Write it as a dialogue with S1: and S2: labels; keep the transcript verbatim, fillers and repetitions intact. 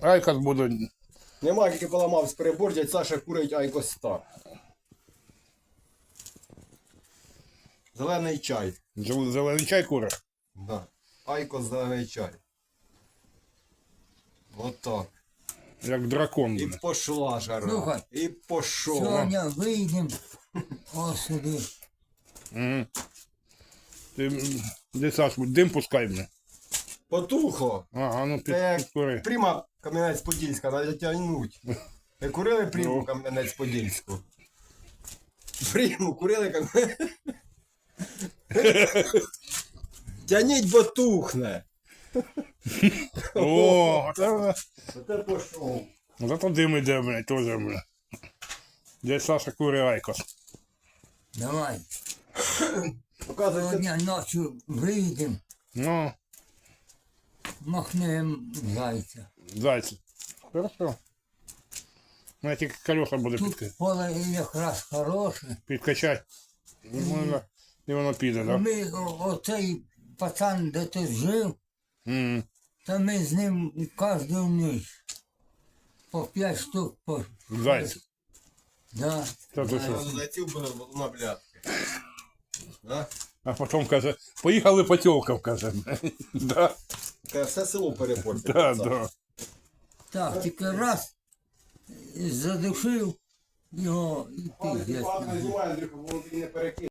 S1: Айкос буду.
S2: Нема, тільки поламав з перебор, дядь Саша курить Айкос Стар. Зелений чай.
S1: Зел- Зелений чай кури.
S2: Да. Айкос зелений чай. Отак.
S1: Як дракон.
S2: І
S1: буде.
S2: пошла жара.
S3: Слухай.
S2: І пошов.
S3: Сьогодні вийдемо ось сюди.
S1: Угу. Ти, м, де Саш, дим пускай мене.
S2: Потухло.
S1: Ага, ну під,
S2: Це
S1: підкури.
S2: як Пріма Кам'янець-Подільська, треба тягнуть. Ви курили Приму
S1: Ну.
S2: Кам'янець-Подільську? Приму курили Кам'янець? Тяніть, бо тухне.
S1: О, це,
S2: Оце пошов.
S1: зато дим іде, блядь, теж, блядь. Де Саша кури Айкос.
S3: Давай.
S2: Показується,
S3: Сьогодні ночі вийдемо,
S1: Ну,
S3: махнемо зайця.
S1: зайці. Хорошо. Ну, я тільки колеса буду підка...
S3: Тут поле якраз хороше.
S1: підкачати. І воно, і воно піде, так? Да?
S3: Ми, о- оцей пацан, де тут жив,
S1: М.
S3: то ми з ним кожну ніч по п'ять штук по.
S1: Зайці.
S3: Да.
S1: Та ти що?
S2: зайців було на блядки. Да?
S1: А потім каже, поїхали по тілкам, каже. Да,
S2: Це все село перепортить.
S1: да, да.
S3: Так, тільки раз задушив його і піздець.
S2: Знімай, Андрюха, воно тобі не перекине.